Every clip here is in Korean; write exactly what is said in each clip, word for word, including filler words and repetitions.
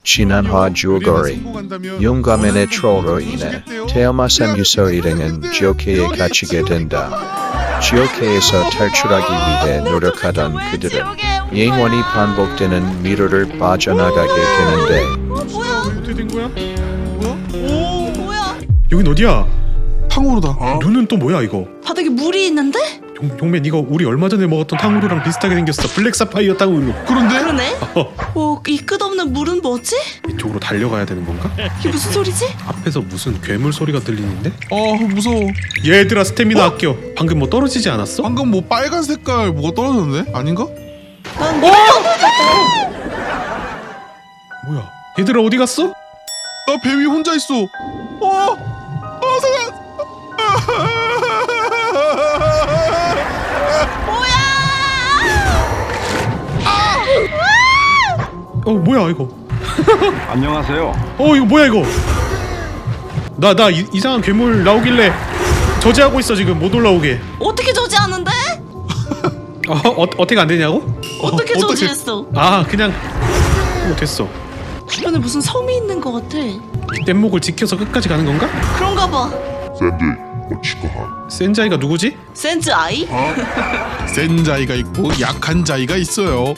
진한화 줄거리 용감인의 트롤로 인해 태어마삼 유서 일행은 지옥회에 갇히게 된다. 지옥회에서 탈출하기 위해 노력하던 그들은 영원히 반복되는 미로를 빠져나가게 되는데 어떻게 된 거야? 뭐야? 오 뭐야? 여긴 어디야? 탕후루다. 눈은 또 뭐야 이거? 바닥에 물이 있는데? 용, 용맨 이거 우리 얼마 전에 먹었던 탕후루랑 비슷하게 생겼어. 블랙 사파이어 탕후루. 그런데? 그러네. 어, 오, 이 끝없는 물은 뭐지? 이쪽으로 달려가야 되는 건가? 이게 무슨 소리지? 앞에서 무슨 괴물 소리가 들리는데? 어 무서워. 얘들아 스태미나 아껴. 방금 뭐 떨어지지 않았어? 방금 뭐 빨간 색깔 뭐가 떨어졌는데? 아닌가? 난 뭐야? 얘들아 어디 갔어? 나 배 위 혼자 있어. 어? 어 잠깐. 어 뭐야 이거? 안녕하세요. 어 이거 뭐야 이거? 나 나 이상한 괴물 나오길래 저지하고 있어 지금 못 올라오게. 어떻게 저지하는데? 어, 어 어떻게 안 되냐고? 어떻게 어떡해. 저지했어? 아 그냥 어 됐어. 주변에 무슨 섬이 있는 것 같아. 뗏목을 지켜서 끝까지 가는 건가? 그런가 봐. 센자이가 누구지? 센즈 아이? 센 자이가 있고 약한 자이가 있어요.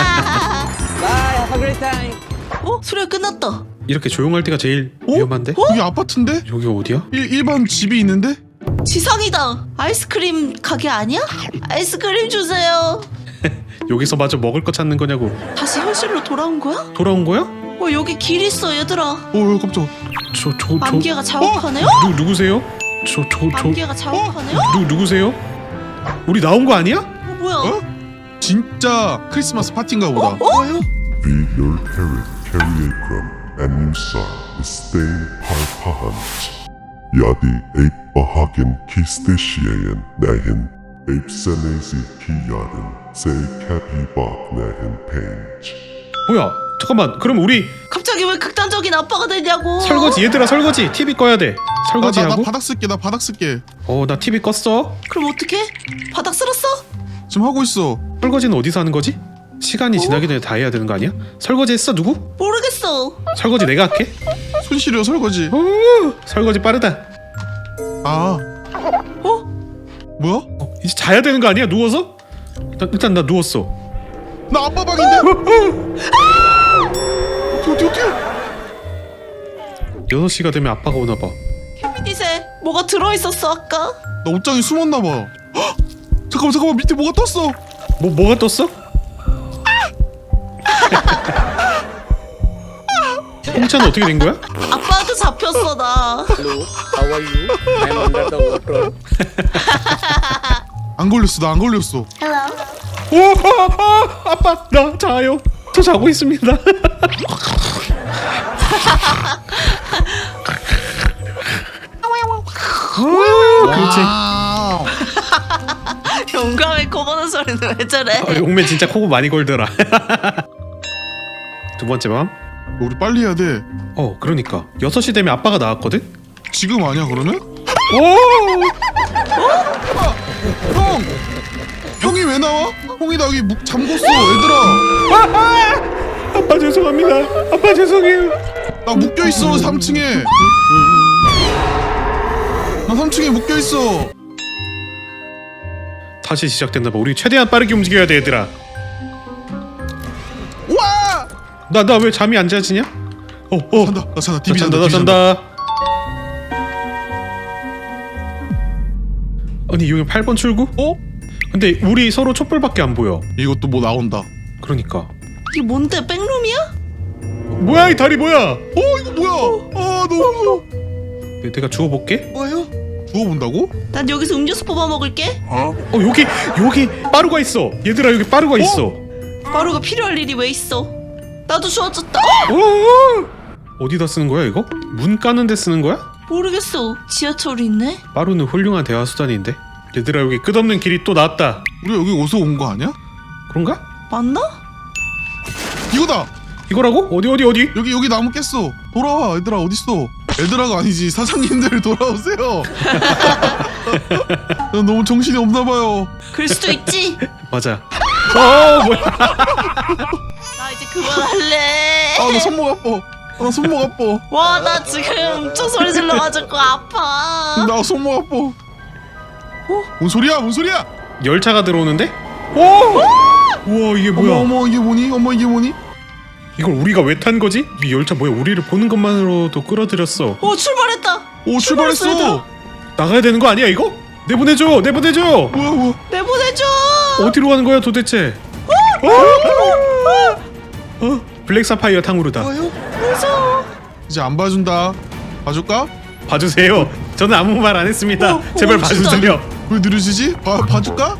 어? 소리가 끝났다. 이렇게 조용할 때가 제일 어? 위험한데? 여기 아파트인데? 여기 어디야? 일, 일반 집이 있는데? 지상이다. 아이스크림 가게 아니야? 아이스크림 주세요. 여기서 마저 먹을 거 찾는 거냐고. 다시 현실로 돌아온 거야? 돌아온 거야? 어 여기 길 있어 얘들아. 어 깜짝. 저 저 저 안개가 자욱하네요? 누 누구세요? 저 저 저 안개가 자욱하네요? 누 누구세요? 우리 나온 거 아니야? 어 뭐야? 어? 진짜 크리스마스 파티인가 보다. Be your parent carry from and inside the stain parpahant. Yadi ape bahagin kisteshiayan nahin ape senesi kiyaden say capi bak nahin page. 뭐야? 잠깐만. 그럼 우리 갑자기 왜 극단적인 아빠가 되냐고. 설거지 얘들아 설거지 티비 꺼야 돼. 설거지 나, 나, 나 하고. 바닥 쓸게. 나 바닥 쓸게. 어 나 티비 껐어. 그럼 어떡해? 바닥 쓸었어? 지금 하고 있어. 설거지는 어디서 하는 거지? 시간이 지나기 전에 다 해야 되는 거 아니야? 설거지 했어 누구? 모르겠어. 설거지 내가 할게. 손 시려 설거지. 오 설거지 빠르다. 아. 어? 뭐야? 어, 이제 자야 되는 거 아니야? 누워서? 일단, 일단 나 누웠어. 나 아빠 방인데? 어떻게 어떻게? 여섯 시가 되면 아빠가 오나 봐. 케미닛에 뭐가 들어있었어 아까? 나 옷장에 숨었나 봐. 헉! 잠깐만 잠깐만 밑에 뭐가 떴어. 뭐 뭐가 떴어? 홍차는 어떻게 된 거야? 아빠한테 잡혔어 나. Hello, how are you? I'm under the water. 안 걸렸어. 나 안 걸렸어. 오, 아, 아, 아빠 나 자요. 저 자고 있습니다. 아, 그렇지. 와우. 용감해 코 고는 소리는 왜 저래? 아, 용맨 진짜 코고 많이 골더라. 두 번째 밤. 우리 빨리 해야 돼. 어, 그러니까 여섯 시 되면 아빠가 나왔거든. 지금 아니야 그러면? 오, 형! 형이 왜 나와? 형이 나 여기 묵 잠궜어 얘들아. 아빠 죄송합니다. 아빠 죄송해요. 나 묶여있어 삼 층에. 나 삼 층에 묶여있어. 다시 시작됐나 봐. 우리 최대한 빠르게 움직여야 돼, 얘들아. 와! 나 나 왜 잠이 안 자지냐? 어, 어. 잔다. 나 잔다. 나 티비 잔다, 잔다. 나 티비 잔다. 잔다. 아니 여기 팔 번 출구? 어? 근데 우리 서로 촛불밖에 안 보여. 이것도 뭐 나온다. 그러니까. 이게 뭔데 백룸이야? 뭐야 이 다리 뭐야? 어 이거 뭐야? 아 너무 무서워. 내, 내가 주워볼게. 뭐예요? 주워본다고? 난 여기서 음료수 뽑아 먹을게. 어 여기 여기 빠루가 있어. 얘들아 여기 빠루가 있어. 마루가 필요할 일이 왜 있어? 나도 주워졌다. 어? 어? 어디다 쓰는 거야 이거? 문 까는 데 쓰는 거야? 모르겠어. 지하철이 있네. 빠루는 훌륭한 대화 수단인데. 얘들아 여기 끝없는 길이 또 나왔다. 우리 여기 어디서 온 거 아니야? 그런가? 맞나? 이거다. 이거라고? 어디 어디 어디? 여기 여기 나무 깼어. 돌아와 얘들아 어딨어? 얘들아가 아니지 사장님들 돌아오세요. 난 너무 정신이 없나 봐요. 그럴 수도 있지. 맞아. 어 뭐야? 나 이제 그만할래. 아 나 손목 아파. 아, 나 손목 아파. 와, 나 지금 엄청 소리 질러가지고 아파. 나 손목 아파. 어? 뭔 소리야? 뭔 소리야? 열차가 들어오는데? 오! 우와 이게 뭐야? 어머 어머 이게 뭐니? 어머 이게 뭐니? 이걸 우리가 왜 탄 거지? 이 열차 뭐야? 우리를 보는 것만으로도 끌어들였어. 오, 출발했다. 오 출발했어, 출발했어. 나가야 되는 거 아니야 이거? 내보내줘! 내보내줘! 뭐야 뭐야? 내보내줘. 어디로 가는 거야 도대체? 어? 어? 블랙 사파이어 탕후루다. 무서워. 이제 안 봐준다. 봐줄까? 봐주세요. 저는 아무 말 안 했습니다. 어, 제발 어, 진짜. 봐주세요. 왜 느려지지? 봐 봐줄까?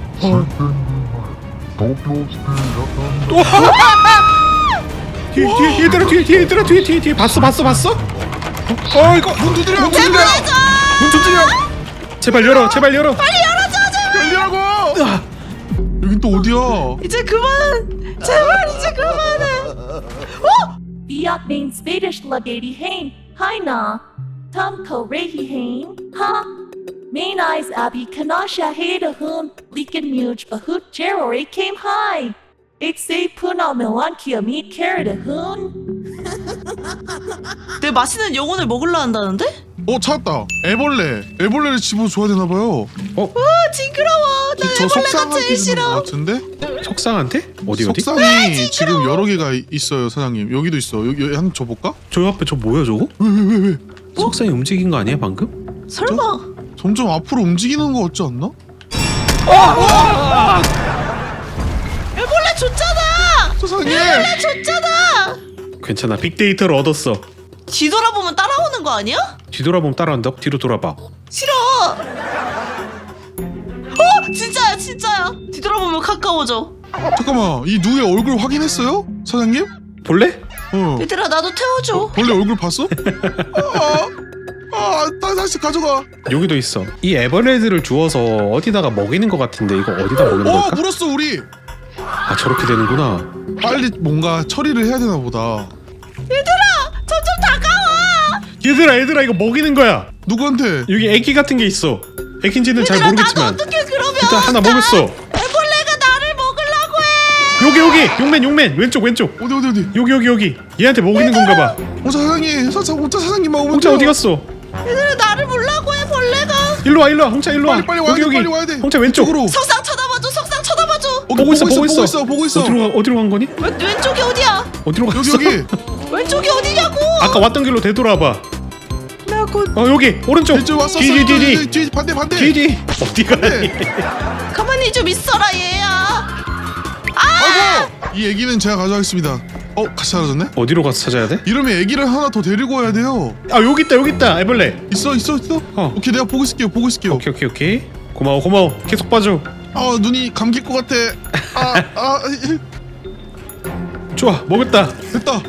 뒤에 뒤에 얘들아 뒤에 뒤에 얘들아 뒤에 뒤에 뒤에 봤어 봤어 봤어? 어 이거 문 두드려. 문 두드려. 내보내줘. 문 두드려. 제발 열어 제발 열어. 열리라고. 여긴 또 어디야? 이제 그만. 제발 이제 그만해. Biak main Swedish lagadi hain, haina. Tom ko rehi hain, ha. Main eyes abi kanasha heda hun, liken muj bahut jerori came high. It say puna melankia meet carrot hun. 내 맛있는 영혼을 먹으려 한다는데? 어 찾았다. 애벌레. 애벌레를 집어줘야 되나 봐요. 아, 징그러워. 나 저 애벌레가 석상한테 제일 주는 것 싫어. 같은데? 석상한테? 어디 어디? 석상이 지금 여러 개가 이- 있어요 사장님. 여기도 있어. 여기 여기 한번 줘볼까? 저 앞에 저 뭐야 저거? 왜 왜 왜 왜? 석상이 움직인 거 아니야 방금? 설마. 점점 앞으로 움직이는 거 같지 않나? 애벌레 줬잖아. 세상에. 애벌레 줬잖아. 괜찮아 빅데이터를 얻었어. 뒤돌아보면 따라오는 거 아니야? 뒤돌아보면 따라온다. 뒤로 돌아봐. 싫어. 어, 진짜야, 진짜야. 뒤돌아보면 가까워져. 잠깐만 이 누의 얼굴 확인했어요? 사장님? 볼래? 어. 얘들아, 나도 태워줘. 원래 얼굴 봤어? 아, 아, 다, 다시 가져가. 여기도 있어. 이 에버레드를 주워서 어디다가 먹이는 거 같은데 이거 어디다 먹이는 어, 걸까? 물었어 우리. 아 저렇게 되는구나. 빨리 뭔가 처리를 해야 되나 보다. 점점 다가와. 얘들아 얘들아 이거 먹이는 거야. 누구한테? 여기 애기 같은 게 있어. 애기인지는 잘 얘들아, 나도 모르겠지만 어떻게 그러면? 일단 하나 나 먹였어. 애벌레가 나를 먹으려고 해. 여기 여기 용맨 용맨 왼쪽 왼쪽 어디 어디 어디? 여기 여기 여기 얘한테 먹이는 건가 봐. 어 사장님, 사, 사, 혼자 사장님만 오면 홍차 돼요. 어디 갔어? 얘들아, 나를 몰라고 해, 벌레가. 일로 와 일로 와 홍차 일로 와. 빨리 빨리 와야 여기 돼, 여기 빨리 와야 돼. 홍차 왼쪽. 이쪽으로. 석상 쳐다봐줘, 석상 쳐다봐줘. 어, 보고 있어 보고 보고 있어 있어 보고 있어. 어디로 가 어디로 간 거니? 왼, 왼쪽이 어디야? 어디로 갔어? 여기 여기. 왼쪽이 어디냐고. 아까 왔던 길로 되돌아봐. 나 곧 어 여기 오른쪽. 이쪽 왔어. 뒤뒤뒤뒤 뒤 반대 반대. 뒤뒤 어디 가니? 가만히 좀 있어라, 얘야. 아이고 이 애기는 제가 가져가겠습니다. 어 같이 사라졌네? 어디로 가서 찾아야 돼? 이러면 애기를 하나 더 데리고 와야 돼요. 아 여기 있다 여기 있다 애벌레. 있어 있어 있어. 어. 오케이 내가 보고 있을게요 보고 있을게요. 오케이 오케이 오케이 고마워 고마워 계속 봐줘. 아 눈이 감길 것 같아. 아 아 좋아 먹었다. 됐다.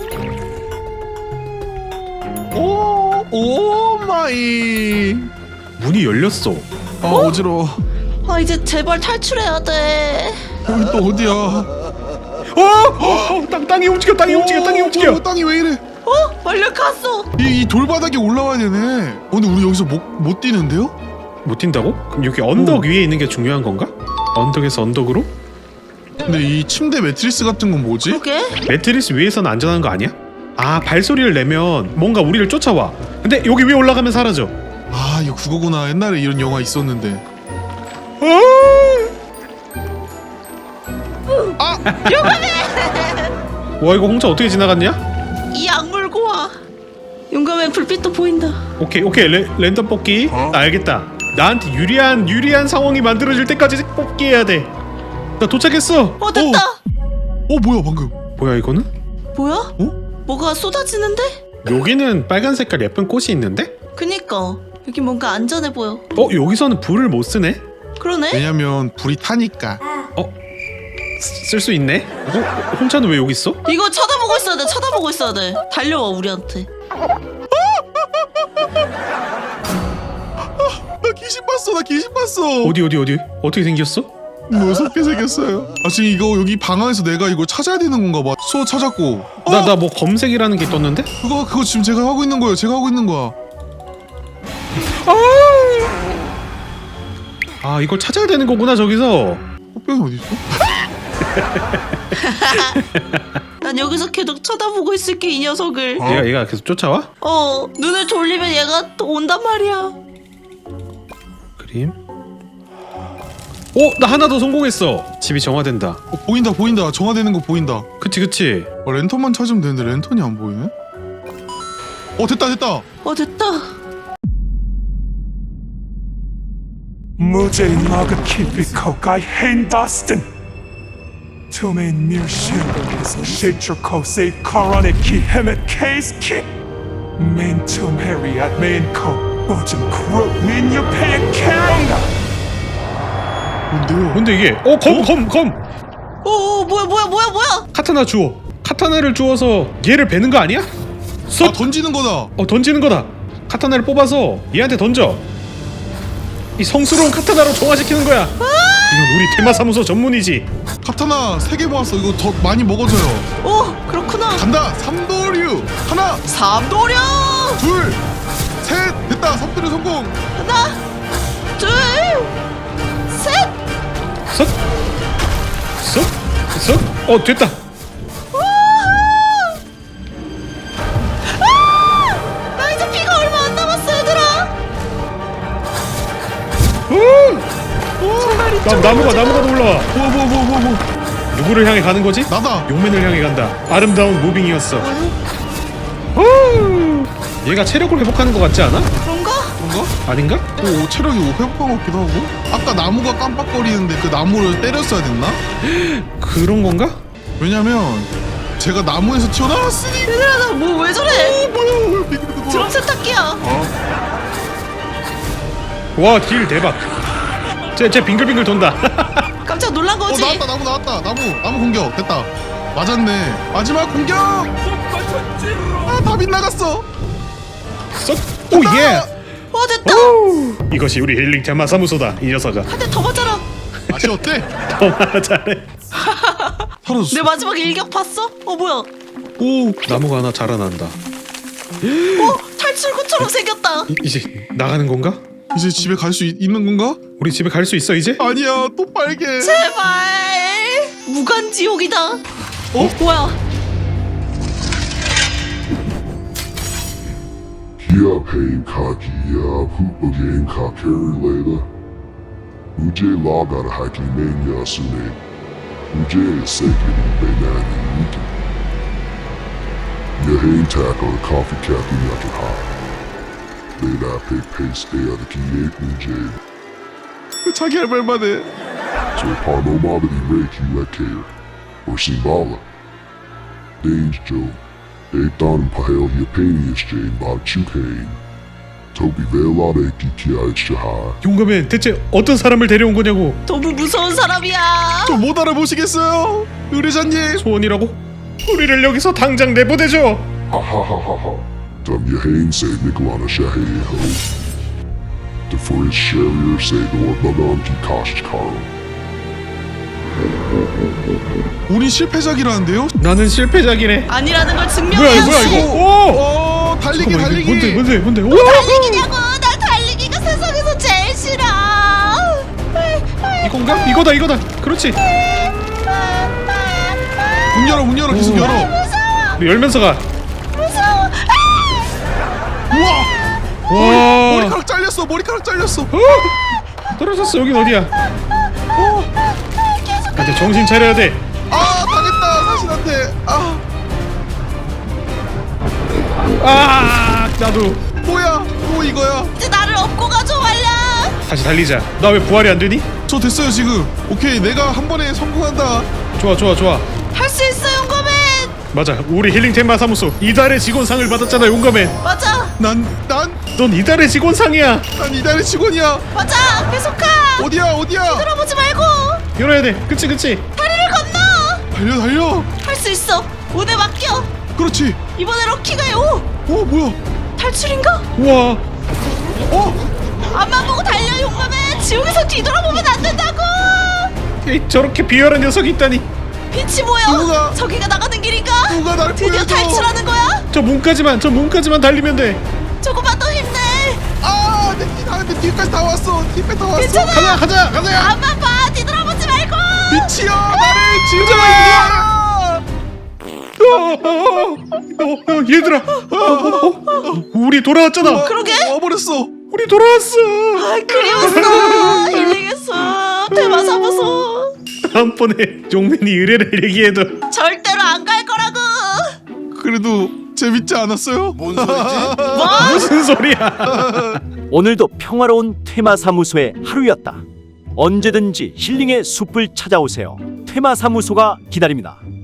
오, 오 마이. 문이 열렸어. 아 어지러워. 아, 이제 제발 탈출해야 돼. 여기 또 어디야? 어, 어, 어 땅, 땅이 움직여 땅이 움직여 땅이 오, 움직여. 뭐야, 땅이 왜 이래? 어? 완료 갔어. 이, 이 돌바닥에 올라와야 되네. 어, 근데 우리 여기서 못, 못 뛰는데요? 못 뛴다고? 그럼 여기 언덕 오. 위에 있는 게 중요한 건가? 언덕에서 언덕으로? 근데 이 침대 매트리스 같은 건 뭐지? 그러게. 매트리스 위에서는 안전한 거 아니야? 아 발소리를 내면 뭔가 우리를 쫓아와. 근데 여기 위에 올라가면 사라져. 아 이거 그거구나. 옛날에 이런 영화 있었는데. 아! 와 이거 홍차 어떻게 지나갔냐? 이 악물고 와. 용감해, 불빛도 보인다. 오케이 오케이 레, 랜덤 뽑기. 아, 알겠다. 나한테 유리한 유리한 상황이 만들어질 때까지 뽑기 해야 돼. 나 도착했어. 어, 됐다. 어 뭐야 방금? 뭐야 이거는? 뭐야? 어? 뭐가 쏟아지는데? 여기는 빨간 색깔 예쁜 꽃이 있는데? 그니까 여기 뭔가 안전해 보여. 어 여기서는 불을 못 쓰네? 그러네? 왜냐면 불이 타니까. 쓸 수 있네? 어? 홍차는 왜 여기 있어? 이거 쳐다보고 있어야 돼. 쳐다보고 있어야 돼. 달려와 우리한테. 나 귀신 봤어. 나 귀신 봤어. 어디 어디 어디? 어떻게 생겼어? 무섭게 생겼어요. 아 지금 이거 여기 방 안에서 내가 이거 찾아야 되는 건가 봐. 소 찾았고. 어? 나 나 뭐 검색이라는 게 떴는데? 그거 그거 지금 제가 하고 있는 거예요. 제가 하고 있는 거야. 아 이걸 찾아야 되는 거구나 저기서. 꽃병이 어디 있어? 난 여기서 계속 쳐다보고 있을게 이 녀석을. 얘가 얘가 계속 쫓아와? 어 눈을 돌리면 얘가 또 온단 말이야. 그림. 오, 나 하나 더 성공했어. 집이 정화된다. 어, 보인다 보인다. 정화되는 거 보인다. 그치 그치. 어, 랜턴만 찾으면 되는데 랜턴이 안 보이네. 어 됐다 됐다. 어 됐다. मुझे नगकी피 가까이 핸더스턴 투메인 밀실에서 시트코스의 코로네 키 헤멧 케이스 키 맨툼 해리앗 맨코 보좀 크루 민 옆에 캐런가 뭔데요? 뭔데 이게? 어, 검, 검, 검. 오, 오 뭐야 뭐야 뭐야 뭐야? 카타나 주워. 카타나를 주워서 얘를 베는 거 아니야? 아 쏙. 던지는 거다. 어, 던지는 거다. 카타나를 뽑아서 얘한테 던져. 이 성스러운 카타나로 정화시키는 거야. 이건 우리 테마사무소 전문이지. 카타나 세 개 모았어. 이거 더 많이 먹어줘요. 오 그렇구나. 간다. 삼도류 하나 삼도령. 둘 셋 됐다. 삼도류 성공. 하나 둘 셋. 쏙. 쏙. 쏙. 어, 됐다. 나 이제 피가 얼마 안 남았어 얘들아. 나, 나무가 나무가 더 올라와. 뭐 뭐 뭐 뭐 뭐. 누구를 향해 가는 거지? 나다. 용맨을 향해 간다. 아름다운 무빙이었어. 후! 얘가 체력을 회복하는 것 같지 않아? 그런가? 뭔가? 아닌가? 오 체력이 회복한 것 같기도 하고. 아까 나무가 깜빡거리는데 그 나무를 때렸어야 됐나? 그런 건가? 왜냐면 제가 나무에서 튀어나왔으니. 얘들아 나 뭐 왜 저래? 뭐야 왜 빙글빙글 드럼 세탁기야. 와, 딜 대박. 쟤, 쟤 빙글빙글 돈다. 깜짝 놀란 어 거지. 나왔다 나무 나왔다 나무 나무 공격 됐다. 맞았네. 마지막 공격. 아다 빗나갔어. 쏙. 오, 예. 어 됐다. 이것이 우리 힐링 테마 사무소다. 이 녀석아. 한 대 더 맞아라. 맛이 어때? 더 잘해. 사라졌어. 내 마지막 일격 봤어? 어 뭐야? 오 나무가 하나 자라난다. 어 탈출구처럼 생겼다. 이, 이제 나가는 건가? 이제 집에 갈 수 있는 건가? 우리 집에 갈 수 있어 이제? 아니야 또 빨개. 제발 무간지옥이다. 어 뭐야? Kia pain kakia pupagen kakerlela. Uje lagara haki menya sune. Uje sekiri benani wiki. Yahain tackle coffee capping after high. Leda pay paste day of the kie uje. 자기 할 말만 해. So parnomabity reiki lekare. Or simbala. Danger Joe. Eitan pahel yapanius jane bob chukain. Toby velade kikia shaha. 용감해. 대체 어떤 사람을 데려온 거냐고. 너무 무서운 사람이야. 저 못 알아보시겠어요? 의뢰자님. 소원이라고? 우리를 여기서 당장 내보내줘. Ha ha ha ha ha. Dum yahain say Nikolana shahe ho. The forest sharrier say the orbanon ki kosh karo. 우리 실패작이라는데요? 나는 실패작이네. 아니라는 걸 뭐야 증명해야지. 뭐야 이거? 오! 어 달리기 잠깐만, 이게 달리기. 뭔데 뭔데 뭔데? 오! 달리기냐고. 나 달리기가 세상에서 제일 싫어. 이건가? 이거다 이거다. 그렇지. 문 열어 문 열어 계속 오. 열어. 우리 열면서 가. 무서워. 우와 와. 머리카락 잘렸어 머리카락 잘렸어. 어! 떨어졌어. 여긴 어디야? 근데 정신 차려야 돼. 아 당했다 사신한테. 아 아, 나도 뭐야 뭐 이거야. 이제 나를 업고 가줘 말라. 다시 달리자. 나 왜 부활이 안 되니? 저 됐어요 지금. 오케이 내가 한 번에 성공한다. 좋아 좋아 좋아. 할 수 있어 용감해. 맞아. 우리 힐링 테마 사무소 이달의 직원상을 받았잖아. 용감해. 맞아 난난 넌 이달의 직원상이야. 난 이달의 직원이야. 맞아 계속 가. 어디야 어디야. 돌아보지 말고 열어야 돼. 그치 그치. 다리를 건너. 달려 달려. 할 수 있어. 운에 맡겨. 그렇지. 이번에 럭키가 오 어 뭐야. 탈출인가? 우와. 어 앞만 보고 달려 용감해. 지옥에서 뒤돌아보면 안 된다고. 에이, 저렇게 비열한 녀석이 있다니. 빛이 보여. 누가? 저기가 나가는 길인가? 누가 날 드디어 보여줘. 탈출하는 거야? 저 문까지만 저 문까지만 달리면 돼. 조금만 더 힘내. 아내뒤다내 뒤까지 다 왔어. 뒤까지 다 왔어. 괜찮아. 가자 가자 가자. 앞만 봐. 뒤돌아보지 말고. 미치야 나를 지우지 마. 어, 어, 어, 얘들아, 어, 어, 어, 우리 돌아왔잖아. 그러게. 와버렸어. 우리 돌아왔어. 아, 그리웠어. 힐링했어. 테마사무소. 다음번에 종민이 의뢰를 얘기해도 절대로 안 갈 거라고. 그래도 재밌지 않았어요? 뭔 소리지? 무슨 소리야? 오늘도 평화로운 테마사무소의 하루였다. 언제든지 힐링의 숲을 찾아오세요. 테마사무소가 기다립니다.